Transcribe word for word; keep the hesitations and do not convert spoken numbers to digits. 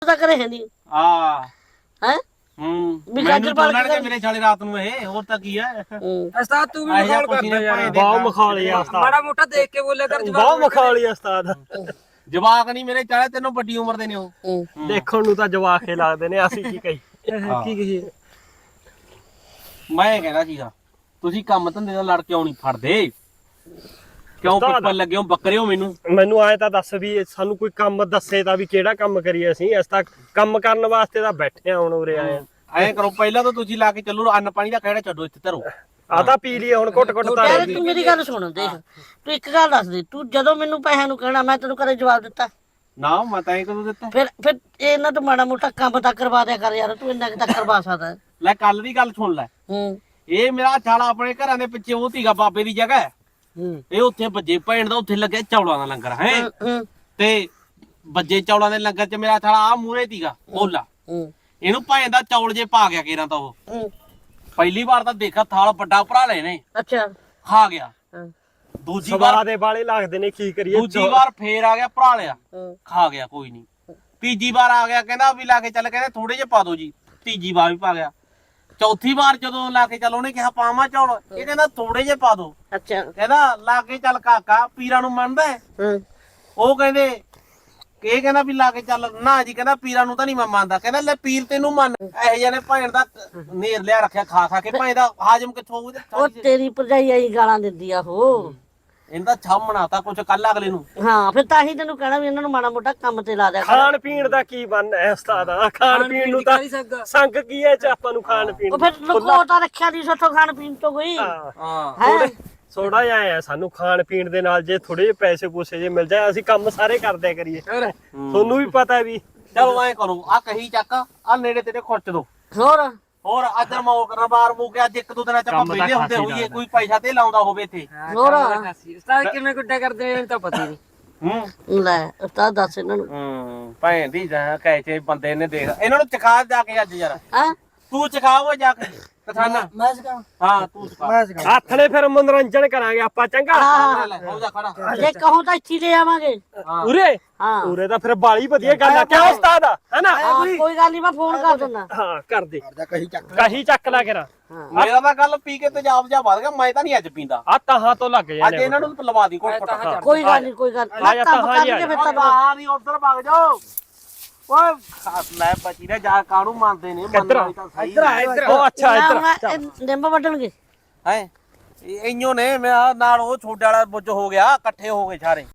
ਤਾਂ ਕਰੇ ਹੈ ਨਹੀਂ ਆ ਹੈ ਹੂੰ ਵੀ ਮੈਨੂੰ ਗਾਜਰ ਪਾਲ ਬੋਲਣ ਕੇ ਕੇ ਮੇਰੇ ਛਾਲੇ ਰਾਤ ਨੂੰ ਇਹ ਹੋਰ ਤਾਂ ਕੀ ਹੈ ਉਸਤਾਦ ਤੂੰ ਵੀ ਮਖੌਲ ਕਰਦਾ ਯਾਰ ਬਹੁਤ ਮਖੌਲੀ ਆ ਉਸਤਾਦ ਮਾੜਾ ਮੋਟਾ ਦੇਖ ਕੇ ਬੋਲਿਆ ਕਰ ਜਵਾਬ ਬਹੁਤ ਮਖੌਲੀ ਆ ਉਸਤਾਦ ਜਵਾਕ ਨਹੀਂ ਮੇਰੇ ਚਾਲੇ ਤੈਨੂੰ ਵੱਡੀ ਉਮਰ ਦੇ ਨੇ ਉਹ ਹੂੰ ਦੇਖਣ ਨੂੰ ਤਾਂ ਜਵਾਕੇ ਲੱਗਦੇ ਨੇ ਅਸੀਂ ਕੀ ਕਹੀ ਕੀ ਕਹੀ ਮੈਂ ਕਹਿੰਦਾ ਸੀਗਾ ਤੁਸੀਂ ਕੰਮ ਧੰਦੇ ਨਾਲ ਲੜ ਕੇ ਨਹੀਂ ਫੜਦੇ ਕਿਉਂ ਉਸਤਾਦ। ਪਿੱਪਲ ਲੱਗੇ ਹੋ ਬੱਕਰੇ ਹੋ ਮੈਨੂੰ ਮੈਨੂੰ ਆਏ ਤਾਂ ਦੱਸ ਵੀ ਇਹ ਸਾਨੂੰ ਕੋਈ ਕੰਮ ਦੱਸੇ ਤਾਂ ਵੀ ਕਿਹੜਾ ਕੰਮ ਕਰੀਏ ਅਸੀਂ ਅਸੀਂ ਤਾਂ ਕੰਮ ਕਰਨ ਵਾਸਤੇ ਤਾਂ ਬੈਠੇ ਆ ਹੁਣ ਉਰੇ ਆਏ ਆ ਐਂ ਕਰੋ ਪਹਿਲਾਂ ਤਾਂ ਤੁਸੀਂ ਲਾ ਕੇ ਚੱਲੋ ਅੰਨ ਪਾਣੀ ਦਾ ਖਹਿੜਾ ਛੱਡੋ ਇੱਥੇ ਧਰੋ ਆ ਤਾਂ ਪੀ ਲਈਏ ਹੁਣ ਘੁੱਟ ਘੁੱਟ ਤਾਂ ਯਾਰ ਤੂੰ ਮੇਰੀ ਗੱਲ ਸੁਣ ਦੇਖ ਤੂੰ ਇੱਕ ਗੱਲ ਦੱਸ ਦੇ ਤੂੰ ਜਦੋਂ ਮੈਨੂੰ ਪੈਸਿਆਂ ਨੂੰ ਕਹਿਣਾ ਮੈਂ ਤੈਨੂੰ ਕਦੇ ਜਵਾਬ ਦਿੱਤਾ ਨਾ ਮੈਂ ਤਾਂ ਇਹ ਕਦੋਂ ਦਿੱਤਾ ਫਿਰ ਫਿਰ ਇਹਨਾਂ ਤੋਂ ਮਾੜਾ ਮੋਟਾ ਕੰਮ ਤਾਂ ਕਰਵਾ ਦਿਆ ਕਰ ਯਾਰ ਤੂੰ ਇੰਨਾ ਕਿ ਤਾਂ ਕਰਵਾ ਸਕਦਾ ਹੈ। ਲੈ ਕੱਲ ਦੀ ਗੱਲ ਸੁਣ ਲੈ ਹੂੰ ਇਹ ਮੇਰਾ ਛਾਲਾ ਆਪਣੇ ਘਰਾਂ ਦੇ ਪਿੱਛੇ ਉਹ ਸੀਗਾ ਬਾਬੇ ਦੀ ਜਗ੍ਹਾ ਹੈ। ਹੂੰ ਇਹ ਉੱਥੇ ਬੱਜੇ ਭੈਣ ਦਾ ਉੱਥੇ ਲੱਗਿਆ ਚੌਲਾਂ ਦਾ ਲੰਗਰ ਹੈ ਹੂੰ ਤੇ ਬੱਜੇ ਚੌਲਾਂ ਦੇ ਲੰਗਰ 'ਚ ਮੇਰਾ ਛਾਲਾ ਆ ਮੂਹਰੇ ਸੀਗਾ ਬੋਲਾ ਹੂੰ ਇਹਨੂੰ ਭੈਣ ਦਾ ਚੌਲ ਜੇ ਪਾ ਗਿਆ ਕੇਰਾਂ ਤਾਂ ਉਹ ਹੂੰ ਪਹਿਲੀ ਵਾਰ ਤਾਂ ਦੇਖਾ ਥਾਲ ਵੱਡਾ ਭਰਾ ਲੈ ਨੇ ਅੱਛਾ ਖਾ ਗਿਆ ਹਾਂ ਦੂਜੀ ਸਵਾ ਵਾਰ ਦੇ ਵਾਲੇ ਲੱਗਦੇ ਨੇ ਕੀ ਕਰੀਏ ਦੂਜੀ ਵਾਰ ਫੇਰ ਆ ਗਿਆ ਭਰਾ ਲਿਆ ਹੂੰ ਖਾ ਗਿਆ ਕੋਈ ਨਹੀਂ ਤੀਜੀ ਵਾਰ ਆ ਗਿਆ ਕਹਿੰਦਾ ਵੀ ਲਾ ਕੇ ਚੱਲ ਕਹਿੰਦੇ ਥੋੜੇ ਜਿਹੇ ਪਾ ਦਿਓ ਜੀ ਤੀਜੀ ਵਾਰ ਵੀ ਪਾ ਗਿਆ ਚੌਥੀ ਵਾਰ ਜਦੋਂ ਲਾ ਕੇ ਚੱਲ ਉਹਨੇ ਕਿਹਾ ਪਾਵਾਂ ਚੌਲ ਇਹ ਕਹਿੰਦਾ ਥੋੜੇ ਜਿਹੇ ਪਾ ਦਿਓ ਅੱਛਾ ਕਹਿੰਦਾ ਲਾ ਕੇ ਚੱਲ ਕਾਕਾ ਪੀਰਾਂ ਨੂੰ ਮੰਨਦਾ ਹੈ? ਹੂੰ ਉਹ ਕਹਿੰਦੇ ਇਹ ਕਹਿੰਦਾ ਵੀ ਲਾ ਕੇ ਚੱਲ ਨਾ ਜੀ ਕਹਿੰਦਾ ਪੀਰਾਂ ਨੂੰ ਤਾਂ ਨਹੀਂ ਮੈਂ ਮੰਨਦਾ ਕਹਿੰਦਾ ਲੈ ਪੀਰ ਤੈਨੂੰ ਮੰਨ ਇਹੋ ਜਿਹੇ ਨੇ ਭੈਣ ਦਾ ਨੇਰ ਲਿਆ ਰੱਖਿਆ ਖਾ ਖਾ ਕੇ ਭੈਣ ਦਾ ਹਾਜਮ ਕਿੱਥੋਂ ਹੋਊ ਉਹ ਤੇਰੀ ਭਰਜਾਈ ਆਈ ਗਾਲਾਂ ਦਿੰਦੀ ਆ ਉਹ ਇਹਦਾ ਛਾਮ ਬਣਾਤਾ ਕੁਛ ਕੱਲ ਅਗਲੇ ਨੂੰ ਹਾਂ ਫਿਰ ਤਾਂ ਹੀ ਤੈਨੂੰ ਕਹਿਣਾ ਵੀ ਇਹਨਾਂ ਨੂੰ ਮਾੜਾ ਮੋਟਾ ਕੰਮ ਤੇ ਲਾ ਦਿਆ ਕਰ ਖਾਣ ਪੀਣ ਦਾ ਕੀ ਬੰਨ ਹੈ ਉਸਤਾਦ ਖਾਣ ਪੀਣ ਨੂੰ ਤਾਂ ਸੰਗ ਕੀ ਹੈ ਚ ਆਪਾਂ ਨੂੰ ਖਾਣ ਪੀਣ ਉਹ ਫਿਰ ਲੁਕੋ ਤਾਂ ਰੱਖਿਆ ਨਹੀਂ ਸੋਥੋਂ ਖਾਣ ਪੀਣ ਤੋਂ ਕੋਈ ਹਾਂ ਹਾਂ ਹੈ ਥੋੜਾ ਜਿਹਾ ਆ ਸਾਨੂੰ ਖਾਣ ਪੀਣ ਦੇ ਨਾਲ ਜੇ ਥੋੜੇ ਜਿਹੇ ਪੈਸੇ ਪੂਸੇ ਜੇ ਮਿਲ ਜਾਏ ਅਸੀਂ ਕੰਮ ਸਾਰੇ ਕਰਦੇ ਕਰੀਏ ਤੁਹਾਨੂੰ ਵੀ ਪਤਾ ਵੀ ਚਲੋ ਐ ਕਰੋ ਆ ਕਹੀ ਚੱਕ ਆ ਨੇੜੇ ਤੇਰੇ ਖੁਰਚ ਦੋ ਹੋਰ ਹੋਰ ਅੱਜ ਮੌਕ ਰਬਾਰ ਮੂਕ ਅੱਜ ਇੱਕ ਦੋ ਦਿਨਾਂ ਚ ਆਪਾਂ ਵਿਹਲੇ ਹੁੰਦੇ ਹੋਈਏ ਕੋਈ ਪੈਸਾ ਤੇ ਲਾਉਂਦਾ ਹੋਵੇ ਇੱਥੇ ਹੋਰ ਉਸਤਾਦ ਕਿਵੇਂ ਗੁੱਡਾ ਕਰਦੇ ਨੇ ਤਾਂ ਪਤਾ ਹੀ ਨਹੀਂ ਹੂੰ ਲੈ ਉਸਤਾਦ ਦੱਸ ਇਹਨਾਂ ਨੂੰ ਹੂੰ ਭੈਣ ਦੀ ਜਾਂ ਕੈਚੇ ਬੰਦੇ ਨੇ ਦੇਖ ਇਹਨਾਂ ਨੂੰ ਚਖਾ ਜਾ ਕੇ ਅੱਜ ਯਾਰ ਹੈ ਤੂੰ ਚਖਾ ਉਹ ਜਾ ਕੇ ਕਥਾਨਾ ਮੈਂ ਸਿਖਾਵਾਂ ਹਾਂ ਤੂੰ ਚਖਾ ਹੱਥ ਨੇ ਫਿਰ ਮਨੋਰੰਜਨ ਕਰਾਂਗੇ ਆਪਾਂ ਚੰਗਾ ਹਾਂ ਲੈ ਹੋ ਜਾ ਖੜਾ ਜੇ ਕਹੂੰ ਤਾਂ ਇੱਥੇ ਲੈ ਆਵਾਂਗੇ ਹਾਂ ਉਰੇ ਹਾਂ ਉਰੇ ਤਾਂ ਫਿਰ ਬਾਲੀ ਵਧੀਆ ਗੱਲ ਆ ਕਿਉਂ ਉਸਤਾਦ ਹੈਨਾ ਹਾਂ, ਕੋਈ ਗੱਲ ਨਹੀਂ ਮੈਂ ਫੋਨ ਕਰ ਦਿੰਦਾ ਹਾਂ ਕਰ ਦੇ ਕਹੀ ਚੱਕ ਕਹੀ ਚੱਕ ਲਾ ਕਰਾ ਮੇਰਾ ਤਾਂ ਗੱਲ ਪੀ ਕੇ ਤੇਜ਼ਾਬ ਜਾ ਵੱਧ ਗਿਆ ਮੈਂ ਤਾਂ ਨਹੀਂ ਅੱਜ ਪੀਂਦਾ ਆ ਤਾਹਾਂ ਤੋਂ ਲੱਗ ਅੱਜ ਜਾਂਦੇ ਇਹਨਾਂ ਨੂੰ ਲਵਾ ਦੀ ਕੋਟ ਕੋਟ ਕੋਈ ਗੱਲ ਨਹੀਂ ਕੋਈ ਗੱਲ ਆ ਜਾ ਤਾਂ ਹਾਂ ਜੀ, ਫਿਰ ਤਾਂ ਆ ਨਹੀਂ ਉਧਰ ਭੱਗ ਜਾਓ ਓਏ ਖਾਸ ਲੈ ਬਚੀ ਨੇ ਜਾ ਕਾਹਨੂੰ ਮੰਨਦੇ ਨੇ ਮੰਨਣ ਵਾਲੀ ਤਾਂ ਸਹੀ ਇੱਧਰ ਆ ਇੱਧਰ ਉਹ ਅੱਛਾ ਇੱਧਰ ਇੱਧਰ ਨਿੰਮ ਵੱਢਣਗੇ ਹੈ ਇੰਨੋ ਨੇ ਮੈਂ ਆਹ ਨਾਲ ਉਹ ਛੋਟੇ ਵਾਲਾ ਬੁੱਝ ਹੋ ਗਿਆ ਇਕੱਠੇ ਹੋ ਗਏ ਸਾਰੇ